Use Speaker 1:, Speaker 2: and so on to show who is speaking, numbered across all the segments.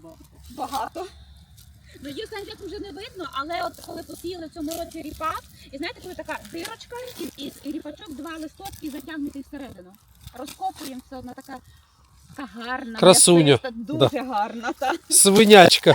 Speaker 1: багато. Ну, її станцях вже не видно, але от коли посіяли в цьому році ріпак, і знаєте, коли така дирочка, і ріпачок, два листочки затягнутий всередину. Розкопуємо, все одно така гарна,
Speaker 2: красуня.
Speaker 1: м'ясиста, дуже гарна. Та.
Speaker 2: Свинячка.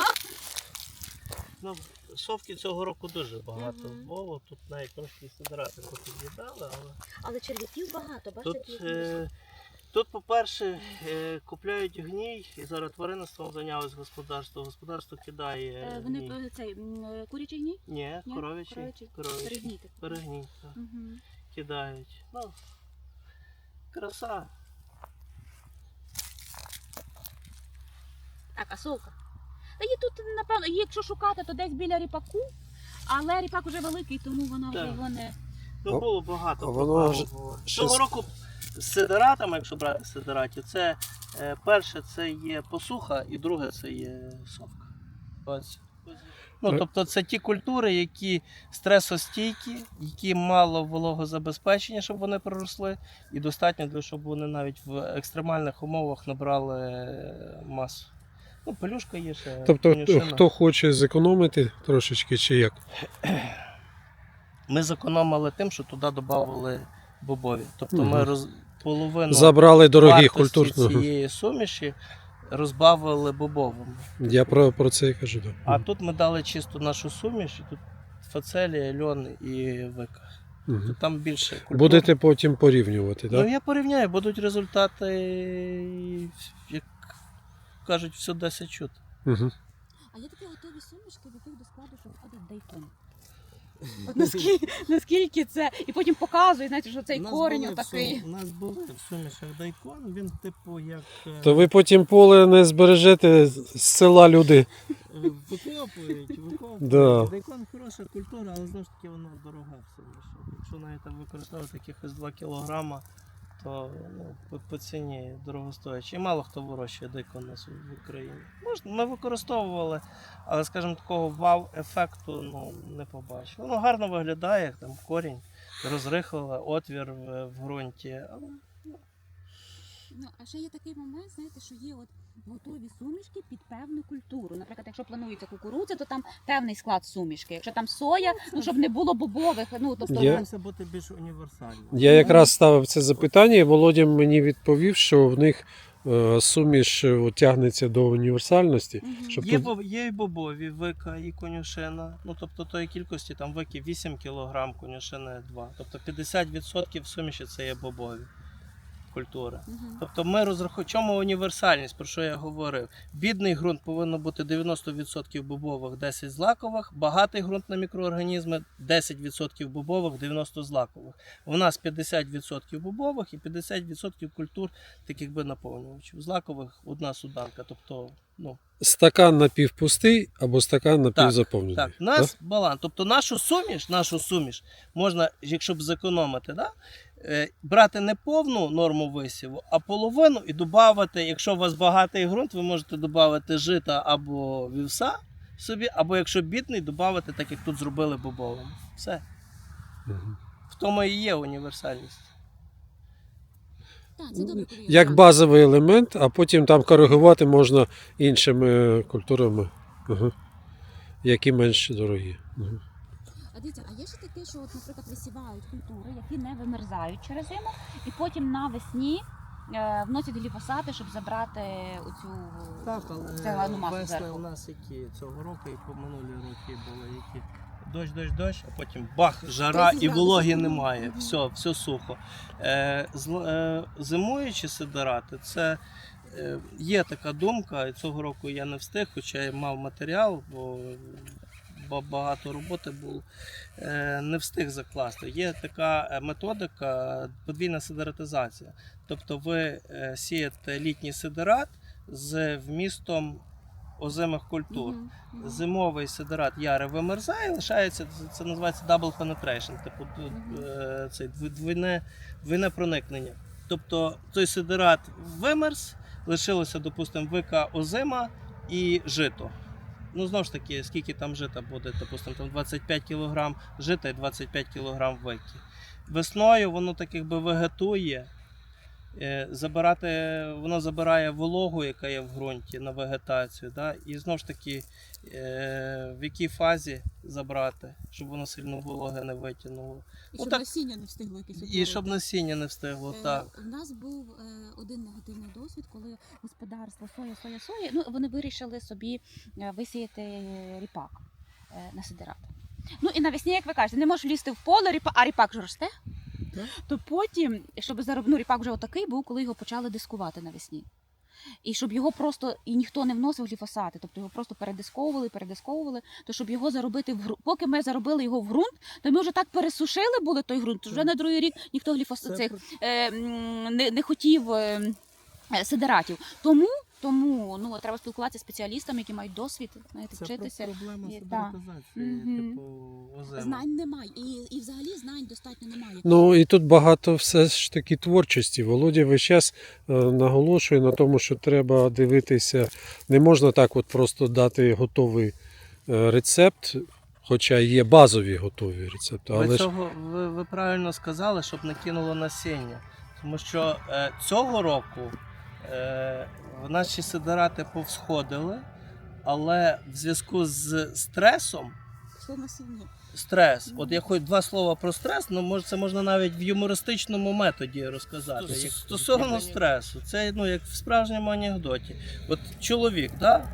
Speaker 3: Ну, совки цього року дуже багато було, тут навіть трошки сидирати віддали,
Speaker 1: Але черв'яків багато,
Speaker 3: бачите? Тут, по-перше, купляють гній, і зараз тваринництвом зайнялось господарство. Господарство кидає гній.
Speaker 1: Вони курячий гній?
Speaker 3: Ні, коров'ячий. Перегній. Кидають. Ну, краса.
Speaker 1: Так, а совка? Та її тут, напевно, її якщо шукати, то десь біля ріпаку, але ріпак вже великий, тому вона вже його не...
Speaker 3: Ну, було багато.
Speaker 2: Воно
Speaker 3: Цього року з сидиратами, якщо брати сидиратів, це перше це є посуха і друге це є совка. Ось. Ну, тобто це ті культури, які стресостійкі, які мало вологозабезпечення, щоб вони проросли, і достатньо, для щоб вони навіть в екстремальних умовах набрали масу. Ну, пелюшка є ще.
Speaker 2: Тобто,
Speaker 3: конюшина.
Speaker 2: хто хоче зекономити трошечки чи як?
Speaker 3: Ми зекономили тим, що туди додали бобові. Тобто ми половину
Speaker 2: забрали дорогих
Speaker 3: вартості
Speaker 2: культур.
Speaker 3: цієї суміші розбавили бобовим.
Speaker 2: Я про це і кажу. Да.
Speaker 3: А тут ми дали чисту нашу суміш, і тут фацелія, льон і вика.
Speaker 2: Угу.
Speaker 3: Там більше культур.
Speaker 2: Будете потім порівнювати, так?
Speaker 3: Ну, я порівняю, будуть результати, як кажуть, все 10 чути.
Speaker 2: Угу.
Speaker 1: А є такі готові сумішки, в яких до складу що входить дайкон. От наскільки це, і потім показує, знаєте, що цей корінь отакий.
Speaker 3: У нас був в сумішах дайкон, він типу як...
Speaker 2: То ви потім поле не збережете з села люди.
Speaker 3: Викопують.
Speaker 2: Да.
Speaker 3: Дайкон хороша культура, але знову ж таки вона дорога в суміші. Якщо навіть там використовувати якихось 2 кілограма, то по ціні дорогостоячі. І мало хто вирощує дайкон у нас в Україні. Ми використовували, але, скажімо, такого вау-ефекту не побачив. Воно гарно виглядає, як там корінь, розрихлила, отвір в ґрунті. Але...
Speaker 1: Ну, а ще є такий момент, знаєте, що є от готові сумішки під певну культуру. Наприклад, якщо планується кукурудзя, то там певний склад сумішки. Якщо там соя, ну щоб не було бобових, ну тобто
Speaker 3: Стараємося бути більш універсальним.
Speaker 2: Я якраз ставив це запитання, і Володя мені відповів, що в них суміш тягнеться до універсальності. Щоб
Speaker 3: Є і бобові, вика, і конюшина. Ну, тобто тої кількості там вики 8 кг, конюшини 2. Тобто 50% суміші це є бобові культури. Тобто ми розраховуємо, чому універсальність, про що я говорив. Бідний ґрунт повинно бути 90% бобових, 10 злакових, багатий ґрунт на мікроорганізми 10% бобових, 90 злакових. У нас 50% бобових і 50% культур таких би наповнювачів. Злакових одна суданка, тобто, ну,
Speaker 2: стакан напівпустий або стакан напівзаповнений.
Speaker 3: Так, у нас баланс. Тобто нашу суміш можна, якщо б зекономити, да? Брати не повну норму висіву, а половину і додати, якщо у вас багатий ґрунт, ви можете додати жита або вівса собі, або якщо бідний, додати, так як тут зробили бобовим. Все. В тому і є універсальність.
Speaker 1: так, це добре,
Speaker 2: Як базовий елемент, а потім там коригувати можна іншими культурами, які менш дорогі.
Speaker 1: А дивіться, а є ще таке, що, от, наприклад, висівають культури, які не вимерзають через зиму, і потім навесні вносять гліфосати, щоб забрати оцю цегляну масу
Speaker 3: весни
Speaker 1: зверху.
Speaker 3: у нас які цього року і по минулі роки були, які дощ, а потім бах, жара і вологи немає, все сухо. Зимуючі сидирати, це є така думка, і цього року я не встиг, хоча я мав матеріал, бо багато роботи було, не встиг закласти. Є така методика подвійна сидератизація. Тобто ви сієте літній сидерат з вмістом озимих культур. Зимовий сидерат яри вимерзає, лишається, це називається double penetration, типу двойне проникнення.Тобто той сидерат вимерз, лишилося, допустимо, вика озима і жито. Ну, знову ж таки, скільки там жита буде, допустимо, там 25 кг жита і 25 кг вики. Весною воно так якби вегетує, воно забирає вологу, яка є в ґрунті, на вегетацію. Да? І знову ж таки, в якій фазі забрати, щоб воно сильно вологе не витягнуло.
Speaker 1: І
Speaker 3: Ну,
Speaker 1: щоб
Speaker 3: так.
Speaker 1: насіння не встигло якесь
Speaker 3: І
Speaker 1: утворити.
Speaker 3: щоб насіння не встигло, так.
Speaker 1: У нас був один негативний досвід, коли господарство соя, ну вони вирішили собі висіяти ріпак на сидират. Ну і навесні, як ви кажете, не можеш влізти в поле, а ріпак же росте.
Speaker 3: Так.
Speaker 1: То потім, щоб ріпак вже отакий був, коли його почали дискувати навесні. І щоб його просто і ніхто не вносив гліфосати, тобто його просто передисковували, то щоб його заробити в ґрунт. Поки ми заробили його в ґрунт, то ми вже так пересушили були той ґрунт, що вже на другий рік ніхто гліфосат не хотів сидератів. Тому ну, треба спілкуватися з спеціалістами, які мають досвід, знаєте, вчитися.
Speaker 3: Це проблема
Speaker 1: І-
Speaker 3: стандартизації,
Speaker 1: Мгм.
Speaker 3: типу озиму.
Speaker 1: Знань немає. І взагалі знань достатньо немає.
Speaker 2: Ну і тут багато все ж таки творчості. Володя весь час наголошує на тому, що треба дивитися. Не можна так от просто дати готовий рецепт, хоча є базові готові рецепти. Але ж
Speaker 3: Ви правильно сказали, щоб не кинуло насіння. Тому що цього року наші сидерати повсходили, але в зв'язку з стресом,
Speaker 1: Все насіння.
Speaker 3: от я хоч два слова про стрес, ну це можна навіть в юмористичному методі розказати. Як стосовно стресу, це ну, як в справжньому анекдоті. От чоловік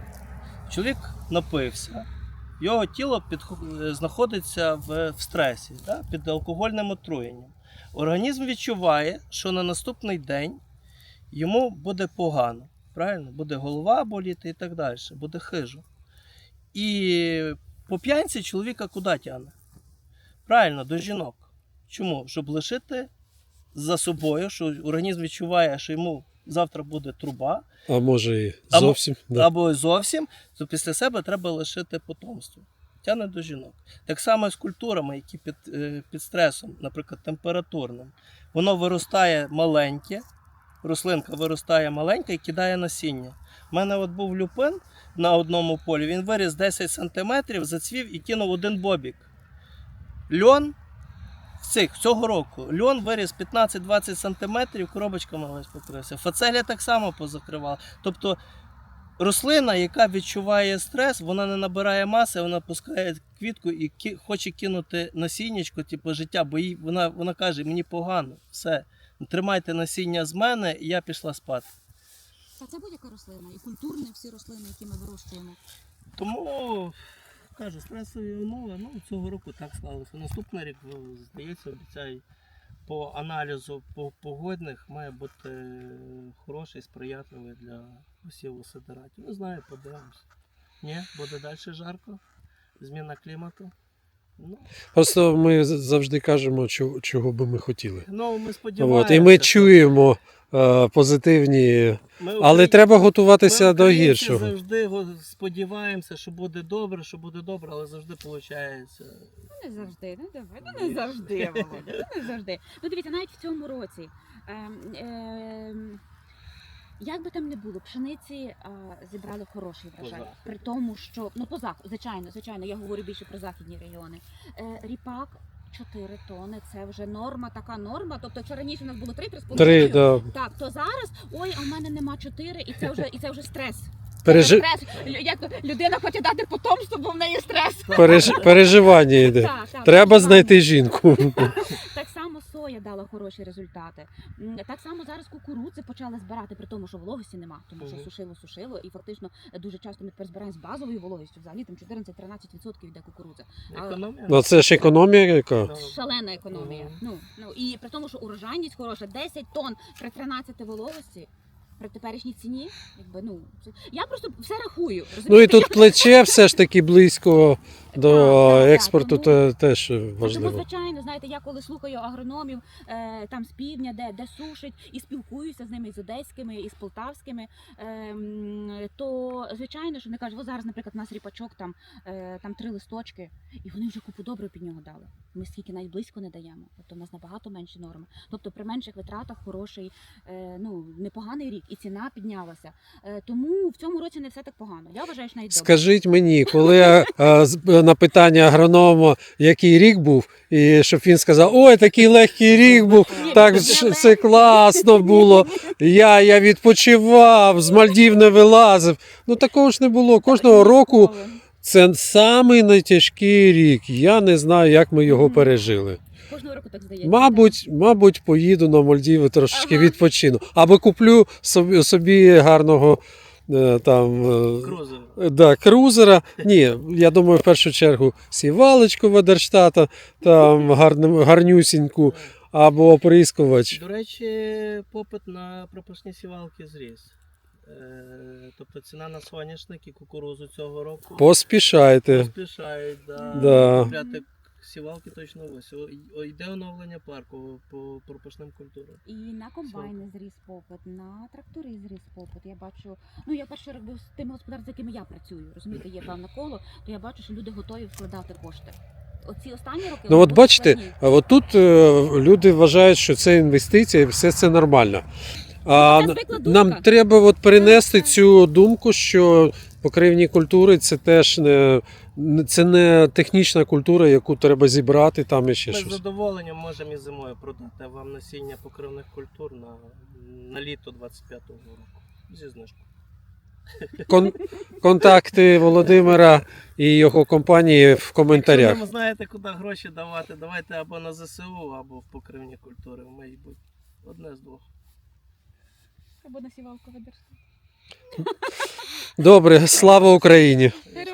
Speaker 3: напився, його тіло знаходиться в стресі, да, під алкогольним отруєнням. Організм відчуває, що на наступний день йому буде погано. Правильно? Буде голова боліти і так далі, буде хижо. І по п'янці чоловіка куди тягне? Правильно, до жінок. Чому? Щоб лишити за собою, що організм відчуває, що йому завтра буде труба,
Speaker 2: а може і зовсім. Да.
Speaker 3: або зовсім, то після себе треба лишити потомство. Тягне до жінок. Так само і з культурами, які під стресом, наприклад, температурним. Воно виростає маленьке, рослинка виростає маленька і кидає насіння. У мене от був люпин на одному полі, він виріс 10 см, зацвів і кинув один бобік. Льон цього року, льон виріс 15-20 см, коробочками весь покрився. Фацелія так само позакривала. Тобто рослина, яка відчуває стрес, вона не набирає маси, вона пускає квітку і хоче кинути насіннячко, типу життя, бо вона каже, мені погано, все, тримайте насіння з мене, і я пішла спати.
Speaker 1: Та це будь-яка рослина, і культурні всі рослини, які ми вирощуємо.
Speaker 3: Тому, кажу, стресові умови, ну, цього року так склалося. Наступний рік, здається, обіцяю, по аналізу погодних має бути хороший, сприятливий для посіву сидератів. Не знаю, подивимося. Ні, буде далі жарко, зміна клімату. Ну,
Speaker 2: Просто ми завжди кажемо, чого би ми хотіли.
Speaker 3: ну ми сподіваємося.
Speaker 2: От, і ми чуємо позитивні, але треба готуватися
Speaker 3: ми,
Speaker 2: до
Speaker 3: українці,
Speaker 2: гіршого.
Speaker 3: завжди сподіваємося, що буде добре, але завжди виходить.
Speaker 1: Ну, не завжди, не завжди, Володя, не завжди. Ну, дивіться, навіть в цьому році, як би там не було, пшениці зібрали хороший врожай.
Speaker 3: По-західному.
Speaker 1: При тому, що, ну, звичайно, я говорю більше про західні регіони. Ріпак 4 тони, це вже норма, така норма. Тобто, якщо раніше у нас було 3-3,5,
Speaker 2: 3, да.
Speaker 1: так, то зараз, ой, а в мене нема 4, і це вже стрес.
Speaker 2: Пережи...
Speaker 1: Як людина хоче дати потомство, бо в неї стрес.
Speaker 2: Переживання йде.
Speaker 1: Так,
Speaker 2: Треба
Speaker 1: переживання.
Speaker 2: знайти жінку.
Speaker 1: Так само соя дала хороші результати. Так само зараз кукурудзи почали збирати, при тому, що вологості нема, тому що сушило, і фактично дуже часто ми тепер збираємо з базовою вологістю, взагалі там 14-13% йде кукурудза.
Speaker 3: Економія.
Speaker 2: Ну це ж економія яка.
Speaker 1: Шалена економія. Ну, і при тому, що урожайність хороша, 10 тонн при 13 вологості. При теперішній ціні, якби, ну, я просто все рахую.
Speaker 2: Ну і
Speaker 1: розумієте?
Speaker 2: тут плече все ж таки близько до
Speaker 1: Так,
Speaker 2: експорту,
Speaker 1: тому-
Speaker 2: теж
Speaker 1: Тому,
Speaker 2: важливо.
Speaker 1: звичайно, знаєте, я коли слухаю агрономів там з півдня, де сушать, і спілкуюся з ними, і з одеськими, і з полтавськими, то звичайно, що вони кажуть, ось зараз, наприклад, у нас ріпачок, там 3 листочки, і вони вже купу добрив під нього дали. Ми скільки навіть близько не даємо. Тобто у нас набагато менші норми. Тобто при менших витратах хороший, непоганий рік, і ціна піднялася. Тому в цьому році не все так погано. Я вважаю, що навіть добре.
Speaker 2: Скажіть мені, коли на питання агронома, який рік був, і щоб він сказав, ой, такий легкий рік був, так все класно було. Я відпочивав, з Мальдів не вилазив. Ну такого ж не було. Кожного року це самий найтяжкий рік. Я не знаю, як ми його пережили.
Speaker 1: Кожного року так здається.
Speaker 2: Мабуть, поїду на Мальдіви трошечки
Speaker 1: Ага.
Speaker 2: відпочину. Або куплю собі гарного там
Speaker 3: Крузер.
Speaker 2: крузера. Ні, я думаю, в першу чергу сівалочку Ведерштата, там гарнюсіньку, або оприскувач.
Speaker 3: До речі, попит на пропашні сівалки зріс. Тобто ціна на соняшник і кукурузу цього року
Speaker 2: Поспішайте.
Speaker 3: поспішають.
Speaker 2: Да.
Speaker 3: Купляти сівалки точно ось. Йде оновлення парку по пропашним культурам.
Speaker 1: І на комбайни зріс попит, на трактори зріс попит. Я бачу, ну я перший рік був з тими господарствами, з якими я працюю. Розумієте, є певне коло, то я бачу, що люди готові вкладати кошти. Оці останні роки.
Speaker 2: Ну
Speaker 1: вони
Speaker 2: от
Speaker 1: були
Speaker 2: бачите,
Speaker 1: складні.
Speaker 2: от тут люди вважають, що це інвестиція і все це нормально. А
Speaker 1: Ну, це звикла думка.
Speaker 2: нам треба от перенести
Speaker 1: Так.
Speaker 2: цю думку, що покривні культури це теж це не технічна культура, яку треба зібрати там і ще
Speaker 3: Ми з
Speaker 2: щось.
Speaker 3: задоволенням можемо і зимою продати вам насіння покривних культур на літо 25-го року. Зі знижкою.
Speaker 2: Контакти Володимира і його компанії в коментарях.
Speaker 3: Якщо не знаєте, куди гроші давати, давайте або на ЗСУ, або в покривні культури. Мабуть, одне з двох.
Speaker 1: Або на сівалку ведеш.
Speaker 2: Добре, слава Україні!
Speaker 1: Героям